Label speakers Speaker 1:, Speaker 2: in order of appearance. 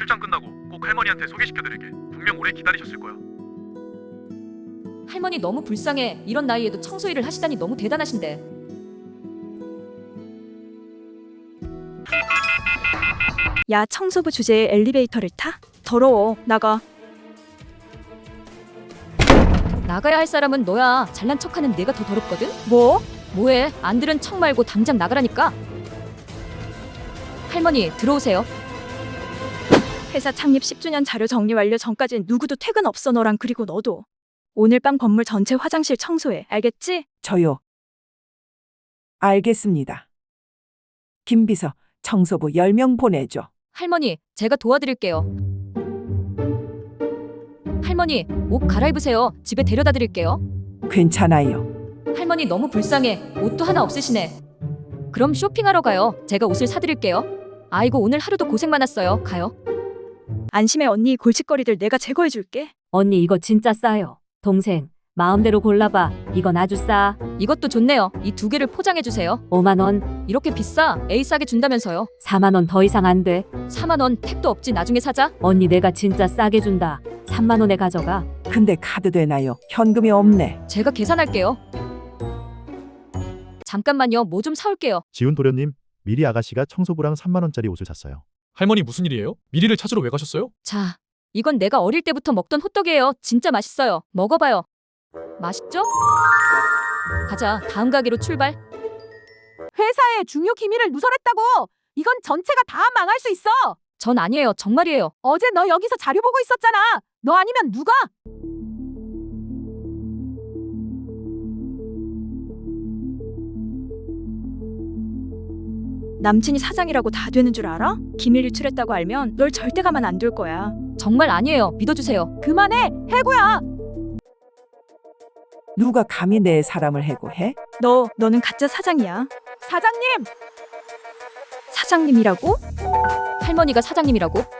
Speaker 1: 출장 끝나고 꼭 할머니한테 소개시켜드릴게. 분명 오래 기다리셨을 거야.
Speaker 2: 할머니 너무 불쌍해. 이런 나이에도 청소 일을 하시다니 너무 대단하신데.
Speaker 3: 야, 청소부 주제에 엘리베이터를 타? 더러워. 나가.
Speaker 2: 나가야 할 사람은 너야. 잘난 척하는 내가 더 더럽거든.
Speaker 3: 뭐?
Speaker 2: 뭐해? 안 들은 척 말고 당장 나가라니까. 할머니 들어오세요.
Speaker 3: 회사 창립 10주년 자료 정리 완료 전까진 누구도 퇴근 없어. 너랑 그리고 너도. 오늘 밤 건물 전체 화장실 청소해. 알겠지?
Speaker 4: 저요. 알겠습니다. 김비서, 청소부 10명 보내줘.
Speaker 2: 할머니 제가 도와드릴게요. 할머니 옷 갈아입으세요. 집에 데려다 드릴게요.
Speaker 4: 괜찮아요.
Speaker 2: 할머니 너무 불쌍해. 옷도 하나 없으시네. 그럼 쇼핑하러 가요. 제가 옷을 사드릴게요. 아이고 오늘 하루도 고생 많았어요. 가요.
Speaker 3: 안심해 언니. 골칫거리들 내가 제거해줄게.
Speaker 5: 언니 이거 진짜 싸요. 동생 마음대로 골라봐. 이건 아주 싸.
Speaker 2: 이것도 좋네요. 이 두 개를 포장해 주세요.
Speaker 5: 5만 원,
Speaker 2: 이렇게 비싸? 에이 싸게 준다면서요.
Speaker 5: 4만 원 더 이상 안 돼.
Speaker 2: 4만 원 택도 없지. 나중에 사자.
Speaker 5: 언니 내가 진짜 싸게 준다. 3만 원에 가져가.
Speaker 4: 근데 카드 되나요? 현금이 없네.
Speaker 2: 제가 계산할게요. 잠깐만요. 뭐 좀 사올게요.
Speaker 6: 지훈 도련님, 미리 아가씨가 청소부랑 3만 원짜리 옷을 샀어요.
Speaker 7: 할머니 무슨 일이에요? 미리를 찾으러 왜 가셨어요?
Speaker 2: 자, 이건 내가 어릴 때부터 먹던 호떡이에요. 진짜 맛있어요. 먹어봐요. 맛있죠? 가자. 다음 가게로 출발.
Speaker 8: 회사의 중요 기밀을 누설했다고. 이건 전체가 다 망할 수 있어.
Speaker 2: 전 아니에요. 정말이에요.
Speaker 8: 어제 너 여기서 자료 보고 있었잖아. 너 아니면 누가?
Speaker 3: 남친이 사장이라고 다 되는 줄 알아? 기밀 유출했다고 알면 널 절대 가만 안 둘 거야.
Speaker 2: 정말 아니에요. 믿어주세요.
Speaker 8: 그만해. 해고야.
Speaker 4: 누가 감히 내 사람을 해고해?
Speaker 3: 너는 가짜 사장이야.
Speaker 8: 사장님.
Speaker 3: 사장님이라고?
Speaker 2: 할머니가 사장님이라고?